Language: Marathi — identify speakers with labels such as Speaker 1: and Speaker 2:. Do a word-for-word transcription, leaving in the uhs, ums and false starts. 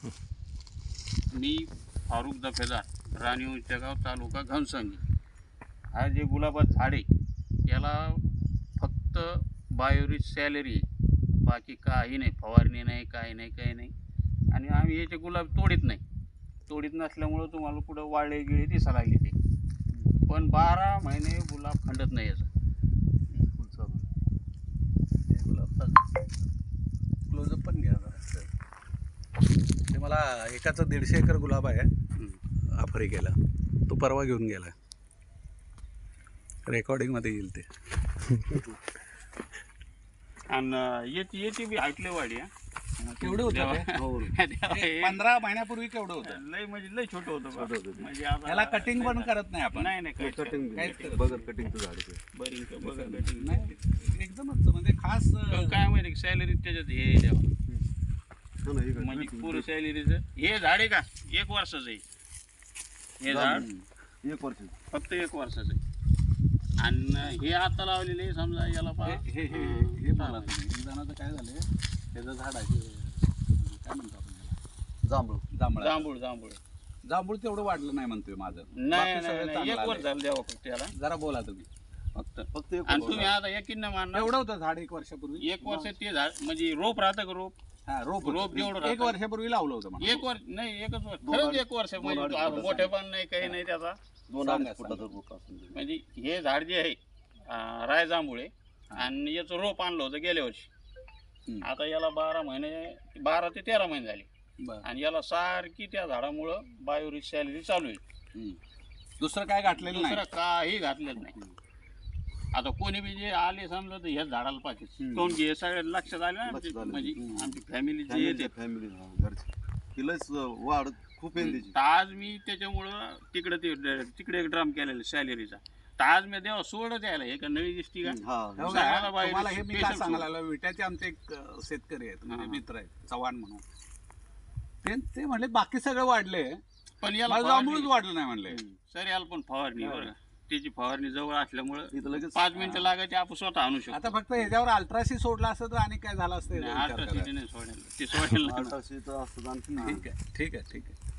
Speaker 1: मी फारुख दफेदार, राणी गाव, तालुका घनसंगी. हा जे गुलाबाचं झाड आहे याला फक्त बायोरिच सॅलरी, बाकी काही नाही, फवारणी नाही, काही नाही, काही नाही. आणि आम्ही याचे गुलाब तोडीत नाही. तोडीत नसल्यामुळं तुम्हाला कुठं वाळले गिळे दिसायला लागले ते, पण बारा महिने गुलाब खंडत नाही याचं.
Speaker 2: क्लोजअप पण घ्या जरा. ते मला एकाचा दीडशे एकर गुलाब आहे आफ्रिकेला, तो परवा घेऊन गेला. रेकॉर्डिंगमध्ये येईल ते.
Speaker 1: आणि याची याची बी ऐकले वाडी.
Speaker 2: केवढं होतं ते? पंधरा महिन्यापूर्वी केवढं होतं?
Speaker 1: लय म्हणजे लय छोटं होतं. म्हणजे
Speaker 2: याला कटिंग पण करत नाही आपण.
Speaker 1: नाही नाही
Speaker 3: कटिंग
Speaker 2: काहीच
Speaker 3: बगर कटिंगचं झाड आहे.
Speaker 1: बरी बघा कटिंग
Speaker 2: नाही, एकदमच म्हणजे खास.
Speaker 1: काय माहिती सॅलरी त्याच्यात हे द्यावं, म्हणजे पुरं सॅलरीचं हे झाड आहे का एक वर्षाचं आहे हे झाड,
Speaker 3: एक वर्ष
Speaker 1: फक्त एक वर्षाचं आहे. आणि हे आता लावलेले समजा याला पहा
Speaker 2: हे हे हे मला एक जणाचं काय झालं, त्याचं झाड आहे काय म्हणतो आपण त्याला,
Speaker 3: जांभूळ
Speaker 2: जांभळा.
Speaker 1: जांभूळ जांभूळ
Speaker 2: जांभूळ तेवढं वाढलं नाही म्हणतोय माझं.
Speaker 1: नाही
Speaker 2: बाकी सगळं
Speaker 1: नाही,
Speaker 2: चांगलं
Speaker 1: एक वर्ष
Speaker 2: आलंय.
Speaker 1: झालं द्यावं फक्त याला
Speaker 2: जरा बोला तुम्ही.
Speaker 1: फक्त.
Speaker 3: फक्त एक
Speaker 1: आणि तुम्ही आता एकीनं मानणार
Speaker 2: एवढं होतं झाड एक वर्षापूर्वी.
Speaker 1: एक वर्ष ते झाड म्हणजे रोप राहतं का रोप
Speaker 2: हा रोप
Speaker 1: रोप
Speaker 2: रोप
Speaker 1: जेवढं
Speaker 2: एक
Speaker 1: राहतं.
Speaker 2: वर्षापूर्वी लावलं होतं म्हणा.
Speaker 1: एक वर्ष नाही एकच वर्ष
Speaker 3: दोन
Speaker 1: खरंच
Speaker 3: अडीच-
Speaker 1: एक वर्ष
Speaker 3: दोन
Speaker 1: म्हणजे
Speaker 3: अडीच
Speaker 1: आ-
Speaker 3: फुटाचं
Speaker 1: मोठे पण नाही काही नाही त्याचा.
Speaker 3: दोन
Speaker 2: सांगा,
Speaker 3: अडीच फुटाचा रोप असून दे.
Speaker 1: म्हणजे हे झाड जे आहे अं, रायजांभुळे आणि याचं रोप आणलं होतं गेल्या वर्षी.
Speaker 2: हम्म.
Speaker 1: आता याला बारा महिने बारा ते तेरा महिने झाले
Speaker 2: बरं.
Speaker 1: आणि याला सारखी त्या झाडामुळं बायोरिच सॅलरी चालू आहे.
Speaker 2: हम्म. दुसरं काय घातलेलं नाही.
Speaker 1: दुसरं काही घातलेलं नाही. आता कोणी बी जे आले समजा तर ह्याच झाडाला पाहिजे.
Speaker 2: हम्म.
Speaker 1: कोण की हे सगळं लक्षात आलं ना
Speaker 3: लक्षात आलं.
Speaker 1: म्हणजे
Speaker 2: हम्म.
Speaker 1: आमची फॅमिली जे
Speaker 3: फॅमिली
Speaker 1: येते.
Speaker 3: फॅमिली घरची तिलाच वाढ खूप आहे त्याची.
Speaker 1: तर आज मी त्याच्यामुळं तिकडे ते तिकडे एक ड्रम केलेला सॅलरीचा. तर आज मी देवा सोड द्यायला हे का नवी दिसती का
Speaker 3: हा
Speaker 2: हो
Speaker 1: सांगायला
Speaker 2: का?
Speaker 1: बाहेर
Speaker 2: तुम्हाला हे मी काय
Speaker 1: special
Speaker 2: सांगायला लागलो, विट्याचे आमचे एक अं, शेतकरी आहेत म्हणजे
Speaker 1: हा.
Speaker 2: मित्र आहेत चव्हाण म्हणून. ते ते म्हणले बाकी सगळं वाढले,
Speaker 1: पण याला
Speaker 2: मला
Speaker 1: फवारणी-
Speaker 2: जांभूळच वाढलं नाही म्हणले.
Speaker 1: सर याला पण फवारणी बरं का. त्याची फवारणी जवळ असल्यामुळं
Speaker 3: इथं लगेच
Speaker 1: पाच मिनिटं लागायची आपण स्वतः आणू शकतो.
Speaker 2: आता फक्त ह्याच्यावर अल्ट्रासी सोडला असतं तर आणि काय झालं असतं याचा
Speaker 1: नाही,
Speaker 2: विचार
Speaker 1: अठरा
Speaker 2: करा.
Speaker 1: सीटी नाही सोडेल ते सोडेल नाही.
Speaker 3: आठ असतं आणखी
Speaker 2: ठीक आहे ठीक आहे ठीक आहे